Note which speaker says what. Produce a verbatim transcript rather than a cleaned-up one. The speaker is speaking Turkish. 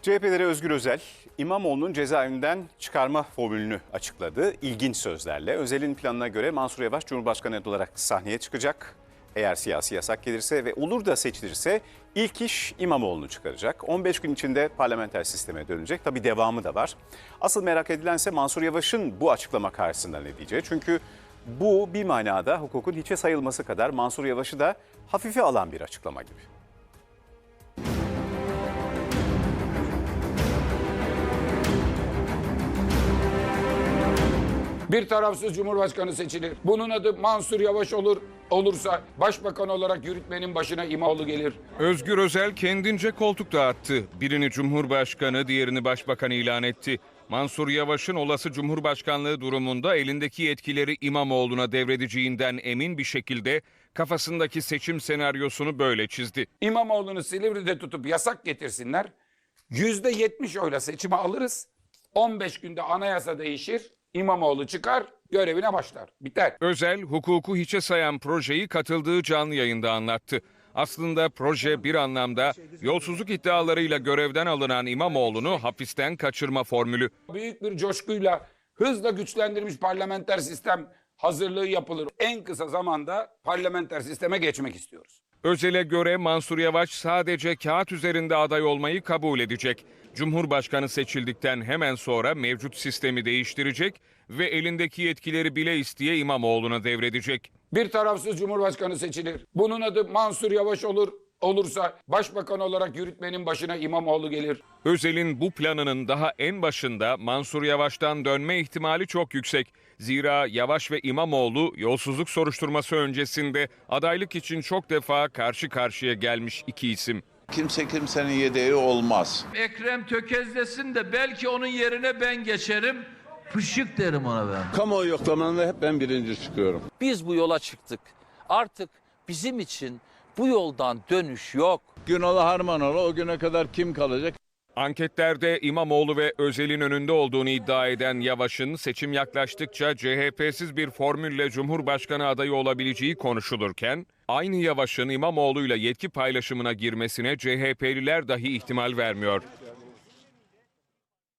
Speaker 1: C H P lideri Özgür Özel, İmamoğlu'nun cezaevinden çıkarma formülünü açıkladı. İlginç sözlerle. Özel'in planına göre Mansur Yavaş Cumhurbaşkanı olarak sahneye çıkacak. Eğer siyasi yasak gelirse ve olur da seçilirse ilk iş İmamoğlu'nu çıkaracak. on beş gün içinde parlamenter sisteme dönecek. Tabii devamı da var. Asıl merak edilense Mansur Yavaş'ın bu açıklama karşısında ne diyeceği. Çünkü bu bir manada hukukun hiçe sayılması kadar Mansur Yavaş'ı da hafife alan bir açıklama gibi.
Speaker 2: Bir tarafsız Cumhurbaşkanı seçilir. Bunun adı Mansur Yavaş olur. Olursa başbakan olarak yürütmenin başına İmamoğlu gelir.
Speaker 3: Özgür Özel kendince koltuk dağıttı. Birini Cumhurbaşkanı, diğerini Başbakan ilan etti. Mansur Yavaş'ın olası Cumhurbaşkanlığı durumunda elindeki yetkileri İmamoğlu'na devredeceğinden emin bir şekilde kafasındaki seçim senaryosunu böyle çizdi.
Speaker 2: İmamoğlu'nu Silivri'de tutup yasak getirsinler. yüzde yetmiş oyla seçimi alırız. on beş günde anayasa değişir. İmamoğlu çıkar, görevine başlar. Biter.
Speaker 3: Özel, hukuku hiçe sayan projeyi katıldığı canlı yayında anlattı. Aslında proje bir anlamda yolsuzluk iddialarıyla görevden alınan İmamoğlu'nu hapisten kaçırma formülü.
Speaker 2: Büyük bir coşkuyla hızla güçlendirilmiş parlamenter sistem hazırlığı yapılır. En kısa zamanda parlamenter sisteme geçmek istiyoruz.
Speaker 3: Özel'e göre Mansur Yavaş sadece kağıt üzerinde aday olmayı kabul edecek. Cumhurbaşkanı seçildikten hemen sonra mevcut sistemi değiştirecek ve elindeki yetkileri bile isteye İmamoğlu'na devredecek.
Speaker 2: Bir tarafsız Cumhurbaşkanı seçilir. Bunun adı Mansur Yavaş olur. Olursa başbakan olarak yürütmenin başına İmamoğlu gelir.
Speaker 3: Özel'in bu planının daha en başında Mansur Yavaş'tan dönme ihtimali çok yüksek. Zira Yavaş ve İmamoğlu yolsuzluk soruşturması öncesinde adaylık için çok defa karşı karşıya gelmiş iki isim.
Speaker 4: Kimse kimsenin yedeği olmaz.
Speaker 5: Ekrem tökezlesin de belki onun yerine ben geçerim. Pışık derim ona ben.
Speaker 6: Kamuoyu yoklamalarında hep ben birinci çıkıyorum.
Speaker 7: Biz bu yola çıktık. Artık bizim için bu yoldan dönüş yok.
Speaker 6: Günalı harman ola, o güne kadar kim kalacak?
Speaker 3: Anketlerde İmamoğlu ve Özel'in önünde olduğunu iddia eden Yavaş'ın seçim yaklaştıkça C H P'siz bir formülle Cumhurbaşkanı adayı olabileceği konuşulurken, aynı Yavaş'ın İmamoğlu'yla yetki paylaşımına girmesine C H P'liler dahi ihtimal vermiyor.